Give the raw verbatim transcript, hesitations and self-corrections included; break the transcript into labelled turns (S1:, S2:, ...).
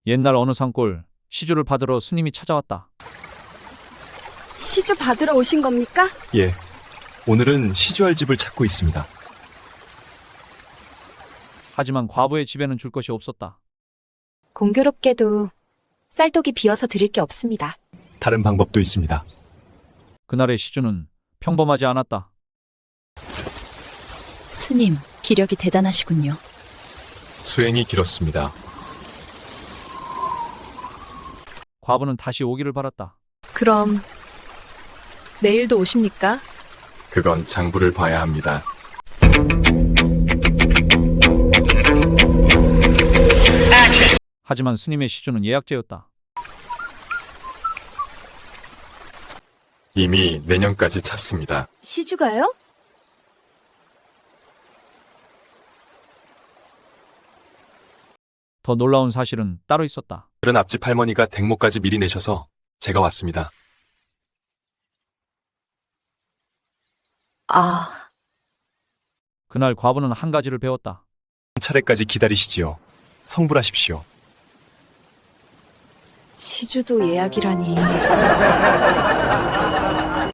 S1: 옛날 어느 산골 시주를 받으러 스님이 찾아왔다.
S2: 시주 받으러 오신 겁니까?
S3: 예. 오늘은 시주할 집을 찾고 있습니다.
S1: 하지만 과부의 집에는 줄 것이 없었다.
S4: 공교롭게도 쌀독이 비어서 드릴 게 없습니다.
S3: 다른 방법도 있습니다.
S1: 그날의 시주는 평범하지 않았다.
S4: 스님, 기력이 대단하시군요.
S3: 수행이 길었습니다.
S1: 과부는 다시 오기를 바랐다.
S5: 그럼 내일도 오십니까?
S3: 그건 장부를 봐야 합니다.
S1: 하지만 스님의 시주는 예약제였다.
S3: 이미 내년까지 찼습니다.
S4: 시주가요?
S1: 더 놀라운 사실은 따로 있었다.
S3: 다른 앞집 할머니가 댁모까지 미리 내셔서 제가 왔습니다.
S4: 아,
S1: 그날 과부는 한 가지를 배웠다.
S3: 차례까지 기다리시지요. 성불하십시오.
S5: 시주도 예약이라니.